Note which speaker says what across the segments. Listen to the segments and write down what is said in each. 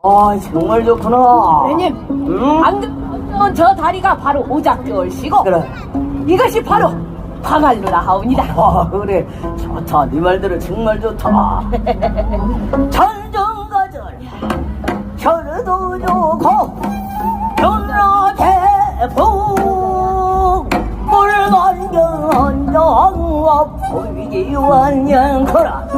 Speaker 1: 아, 정말 좋구나.
Speaker 2: 도련님,
Speaker 1: 응?
Speaker 2: 방금 저 다리가 바로 오작교시고
Speaker 1: 그래.
Speaker 2: 이것이 바로 광활루라 하옵니다.
Speaker 1: 아, 그래. 좋다. 네 말대로 정말 좋다. 전정가절 혈도 좋고 연라대풍 물만경원정와 보이기완연코라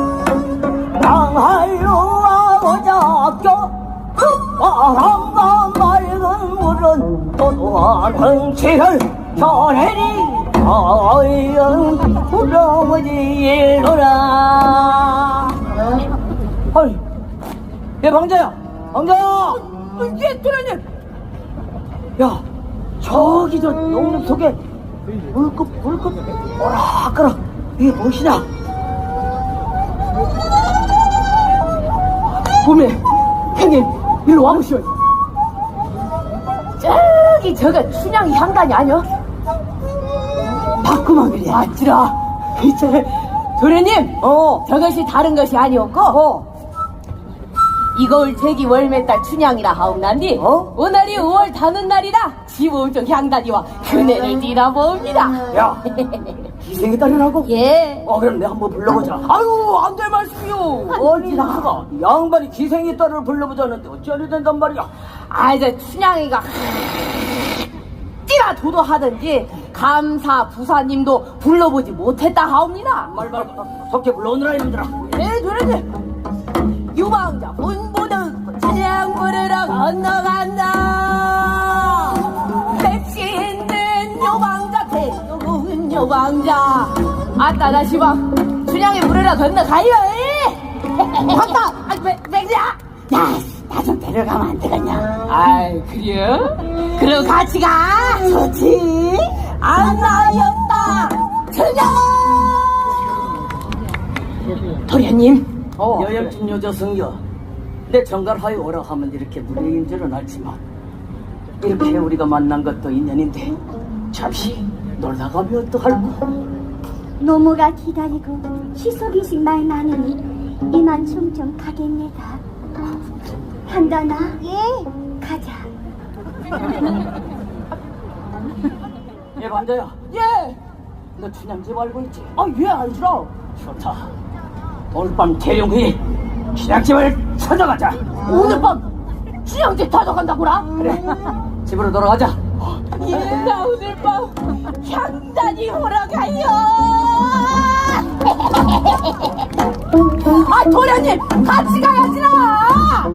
Speaker 1: 강할루와 오작교 바람과 맑은 물은 도도한 흥치를 전해리 아연 불러오지 일로라. 아이, 얘 방자야, 방자야.
Speaker 2: 예, 도련님.
Speaker 1: 야, 저기 저 농림 속에 물급 오락가락 이게 무엇이냐?
Speaker 2: 보매, 형님, 일로 와보시오. 저기 저거 춘향이 향단이 아니여?
Speaker 1: 바꾸만 그래.
Speaker 2: 맞지라. 이제 도련님, 저것이 다른 것이 아니었고 이거울 제기 월매달 춘향이라 하옵난디 오늘이 5월 다는 날이라 지오정 향단이와 그네를 띠라봅니다.
Speaker 1: 야, 기생이 딸이라고?
Speaker 2: 예.
Speaker 1: 그럼 내가 한번 불러보자. 아유, 안 될 말씀이요. 아니, 나가 양반이 기생이 딸을 불러보자는데 어찌하려 된단 말이야.
Speaker 2: 저 춘향이가 띠라 도도하든지 감사 부사님도 불러보지 못했다 하옵니다.
Speaker 1: 말 속게 불러오느라 이놈들아.
Speaker 2: 예, 도련님. 유방자 본보는 춘향 부르러 건너간다. 맵시 있는 유방자 대놓은 유방자 아따 나 시방 춘향이 부르러 건너가요. 맞다. 백지야 나 좀 데려가면 안 되겠냐? 아이 그래요? 그럼 같이 가. 좋지. 안나였다 춘향. 도련님,
Speaker 1: 여열진 여자 성여, 내 정갈하여 오라 하면 이렇게 무례인줄은 알지만 이렇게 우리가 만난 것도 인연인데 잠시 놀다 가면 어떡할꼬?
Speaker 3: 노모가 기다리고 시속이식 말 많으니 이만 좀 가겠네다. 한다나? 예. 가자.
Speaker 1: 예, 반자야.
Speaker 2: 예.
Speaker 1: 너 춘향집 알고 있지?
Speaker 2: 예, 알지라.
Speaker 1: 좋다. 오늘 밤 태용히 춘향집을 찾아가자.
Speaker 2: 오늘 밤 춘향집 찾아간다고라?
Speaker 1: 그래, 집으로 돌아가자.
Speaker 2: 나 오늘 밤 향단이 오러 가요. 도련님 같이 가야지라.